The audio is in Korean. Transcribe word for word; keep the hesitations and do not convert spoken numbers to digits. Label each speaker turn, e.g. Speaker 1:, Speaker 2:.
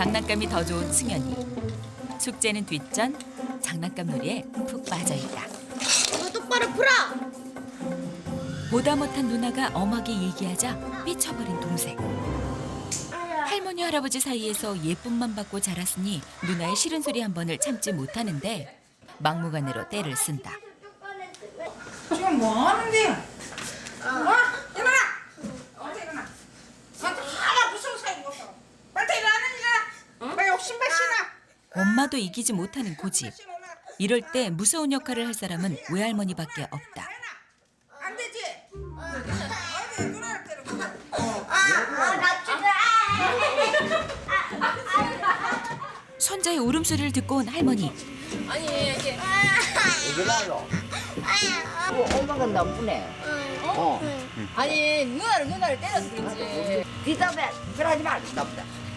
Speaker 1: 장난감이 더 좋은 승현이. 숙제는 뒷전, 장난감 놀이에 푹 빠져있다.
Speaker 2: 이거 똑바로 풀어.
Speaker 1: 보다 못한 누나가 엄하게 얘기하자 삐쳐버린 동생. 할머니 할아버지 사이에서 예쁨만 받고 자랐으니 누나의 싫은 소리 한 번을 참지 못하는데 막무가내로 떼를 쓴다.
Speaker 3: 지금 뭐 하는데요? 어? 일어나! 어디 일어나? 나한테 하나 무서운 사이 없어. 빨리 일어나는 일어나! 빨리 욕심만 신어!
Speaker 1: 엄마도 이기지 못하는 고집. 이럴 때 무서운 역할을 할 사람은 외할머니밖에 없다.
Speaker 3: 안 되지? 어디 누나를 때리고.
Speaker 1: 손자의 울음소리를 듣고 온 할머니.
Speaker 4: 아니 이게
Speaker 5: 왜 나요? 어, 엄마가 나쁘네. 어.
Speaker 4: 아니 누나를 누나를 때려서 그런지
Speaker 5: 비답해. 그러지 마. 나쁘다.